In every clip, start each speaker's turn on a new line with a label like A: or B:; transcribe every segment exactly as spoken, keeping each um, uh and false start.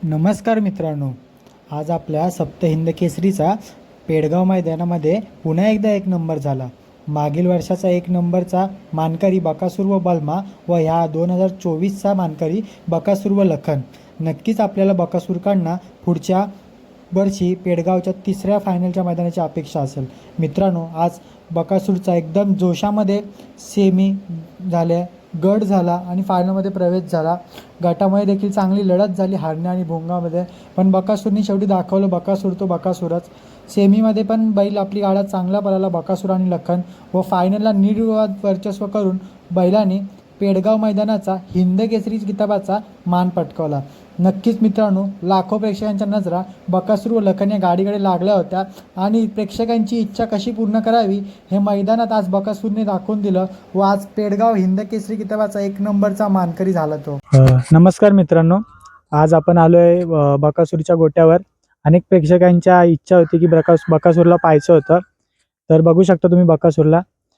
A: नमस्कार मित्रांनो, आज आपल्या सप्तहिंद केसरीचा पेडगाव मैदानामध्ये पुन्हा एकदा एक नंबर झाला। मागील वर्षाचा एक नंबरचा मानकरी बकासूर व बलमा व ह्या दोन हजार चोवीसचा मानकरी बकासूर व लखन। नक्कीच आपल्याला बकासूरकडनं पुढच्या वर्षी पेडगावच्या तिसऱ्या फायनलच्या मैदानाची अपेक्षा असेल। मित्रांनो, आज बकासूरचा एकदम जोशामध्ये सेमी झाले, गट झाला आणि फायनलमध्ये प्रवेश झाला। गटामध्ये देखील चांगली लढत झाली हरण्या आणि भोंगामध्ये, पण बकासूरने शेवटी दाखवलं बकासूर तो बकासूरच। सेमीमध्ये पण बैल आपली गाड्यात चांगला पळाला बकासूर आणि लखन, व फायनलला निर्विवाद वर्चस्व करून बैलाने पेडगाव मैदानाचा हिंद केसरी किताबाचा मान पटकावला। नक्कीच मित्रांनो, लाखो प्रेक्षकांच्या नजरा बकासूर व लखन या गाडीकडे लागल्या होत्या आणि प्रेक्षकांची इच्छा कशी पूर्ण करावी हे मैदानात आज बकासूरने दाखवून दिलं व आज पेडगाव हिंद केसरी किताबाचा एक नंबरचा मानकरी झाला तो। नमस्कार मित्रांनो, आज आपण आलोय बकासूरच्या गोट्यावर। अनेक प्रेक्षकांच्या इच्छा होती की बकास बकासूरला पाहायचं होतं, तर बघू शकता तुम्ही बकासूरला।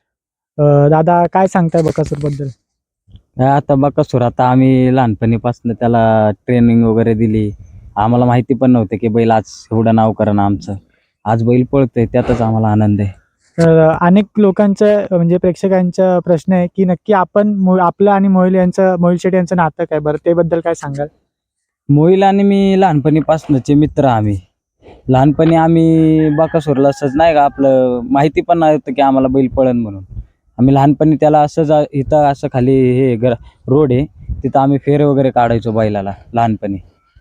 A: दादा, काय सांगताय बकासूरबद्दल?
B: आता बकासूर, आता आम्ही लहानपणीपासून त्याला ट्रेनिंग वगैरे दिली। आम्हाला माहिती पण नव्हतं की बैल आज एवढं नाव करणं आमचं। आज बैल पळतोय त्यातच आम्हाला आनंद आहे।
A: तर अनेक लोकांचं म्हणजे प्रेक्षकांचा प्रश्न आहे की नक्की आपण आपलं आणि मोहिल यांचं मोहिल शेट्टी यांचं नातं काय, बरं त्याबद्दल काय सांगाल?
B: मोहिल आणि मी लहानपणीपासूनचे मित्र। आम्ही लहानपणी आम्ही बकासूरला असंच नाही का, आपलं माहिती पण नव्हतं की आम्हाला बैल पळण म्हणून। आम्ही लहानपणी त्याला असंच इथं असं खाली हे घर रोड आहे तिथं आम्ही फेरे वगैरे काढायचो बैलाला लहानपणी।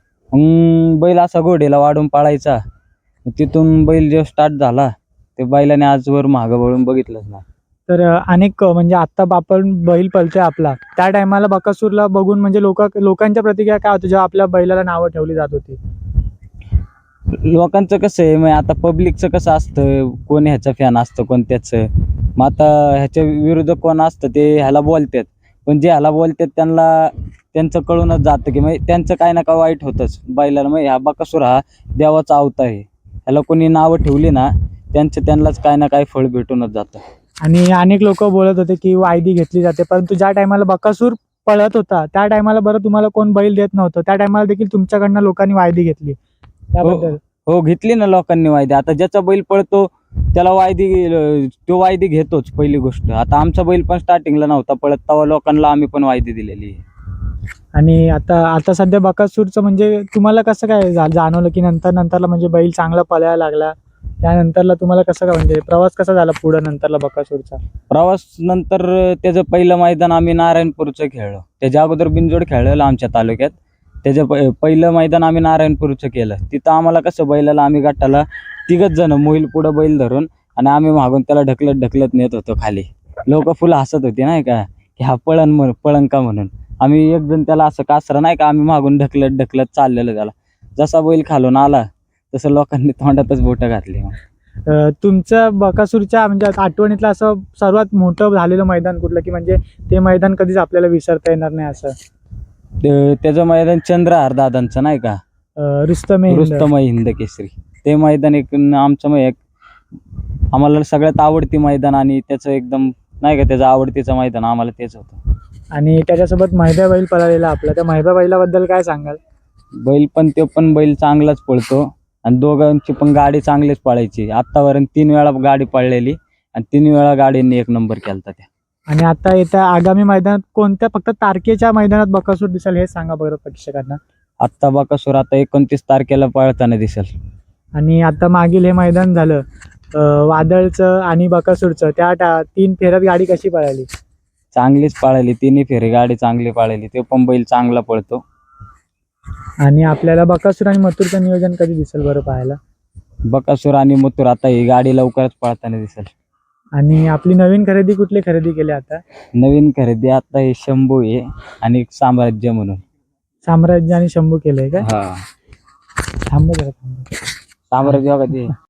B: मग बैल असा घोडेला वाढून पाळायचा, तिथून बैल जो स्टार्ट झाला ते बैलाने आजवर मागं वळून बघितलंच ना।
A: तर अनेक म्हणजे आत्ता आपण बैल पळतोय आपला, त्या टायमाला बकासूरला बघून म्हणजे लोक लोकांच्या प्रतिक्रिया काय होती जेव्हा आपल्या बैलाला नावं ठेवली जात होती?
B: लोकांचं कसं आहे, मग आता पब्लिकचं कसं असतं, कोण ह्याचं फॅन असतं कोण त्याचं। मग आता ह्याच्या विरुद्ध कोण असतं ते ह्याला बोलतात, पण जे ह्याला बोलतात त्यांना त्यांचं कळूनच जातं की मग त्यांचं काय ना काय वाईट होतंच बैलाला। मग ह्या बकासूर हा देवाचा अवतार आहे, ह्याला कोणी नावं ठेवली ना त्यांचं त्यांनाच काय ना काय फळ भेटूनच जातं।
A: आणि अनेक लोक बोलत होते की वायदी घेतली जाते, परंतु ज्या टायमाला बकासूर पळत होता त्या टायमाला बरं तुम्हाला कोण बैल देत नव्हतं, त्या टायमाला देखील तुमच्याकडनं लोकांनी वायदी घेतली, त्याबद्दल?
B: हो, घेतली ना लोकांनी वायदी। आता ज्याचा बैल पळतो त्याला वायदी, तो वायदी घेतोच पहिली गोष्ट। आता आमचा बैल पण स्टार्टिंगला नव्हता पळत, तेव्हा लोकांना आम्ही पण वायदी दिलेली आहे।
A: आणि आता आता सध्या बकासूरचं म्हणजे तुम्हाला कसं काय जाणवलं की नंतर नंतरला म्हणजे बैल चांगला पळायला लागला, त्यानंतरला तुम्हाला कसं काय म्हणजे प्रवास कसा झाला पुढे नंतरला बकासूरचा?
B: प्रवास नंतर त्याचं पहिलं मैदान आम्ही नारायणपूरचं खेळलो, त्याच्या अगोदर बिनजोड खेळलेलं आमच्या तालुक्यात। त्याचं प पहिलं मैदान आम्ही नारायणपूरचं केलं। तिथं आम्हाला कसं बैलाला आम्ही गटाला तिघच जण, मोहिल पुढं बैल धरून आणि आम्ही मागून त्याला ढकलत ढकलत नेत होतो खाली। लोक फुल हसत होती नाही का की हा पळण म्हण पळण का म्हणून। आम्ही एक जण त्याला असं कासरा नाही का, आम्ही मागून ढकलत ढकलत चाललेलं त्याला। जसा बैल खालून आला तसं लोकांनी तोंडातच बोटं घातली।
A: तुमचं बकासूरच्या म्हणजे आठवणीतलं असं सर्वात मोठं झालेलं मैदान कुठलं, की म्हणजे ते मैदान कधीच आपल्याला विसरता येणार नाही असं?
B: त्याचं मैदान चंद्रहार दादांचं नाही का,
A: रुस्तम
B: रुस्तम हिंद केसरी, ते मैदान एक आमचं मग एक आम्हाला सगळ्यात आवडती मैदान आणि त्याचं एकदम नाही का त्याचं आवडतीचं मैदान आम्हाला तेच होतं। आणि
A: त्याच्यासोबत महिबा बैल पळालेला आपला, त्या महिबा बैलाबद्दल काय सांगाल?
B: बैल पण तो पण बैल चांगलाच पळतो आणि दोघांची पण गाडी चांगलीच पळायची। आत्तापर्यंत तीन वेळा गाडी पळलेली आणि तीन वेळा गाडीने एक नंबर केलता त्या।
A: आणि आता येत्या आगामी मैदानात कोणत्या फक्त तारखेच्या मैदानात बकासूर दिसेल हे सांगा बरं प्रेक्षकांना।
B: आत्ता बकासूर आता एकोणतीस तारखेला पळताना दिसेल।
A: आणि आता मागील हे मैदान झालं वादळचं आणि बकासूरचं, त्या तीन फेऱ्यात गाडी कशी पळाली?
B: चांगलीच पळाली, तिन्ही फेरी गाडी चांगली पळाली, ते पण बैल चांगला पळतो।
A: आणि आपल्याला बकासूर आणि मथुरचं नियोजन कधी दिसेल बरं पाहायला?
B: बकासूर आणि मथुर आता ही गाडी लवकरच पळताना दिसेल।
A: आणि आपली नवीन खरेदी कुठली खरेदी केली आता?
B: नवीन खरेदी आता हे शंभू आहे आणि एक साम्राज्य म्हणून।
A: साम्राज्य आणि शंभू केलंय का?
B: हा,
A: थांब जरा थांब,
B: साम्राज्य बघा ते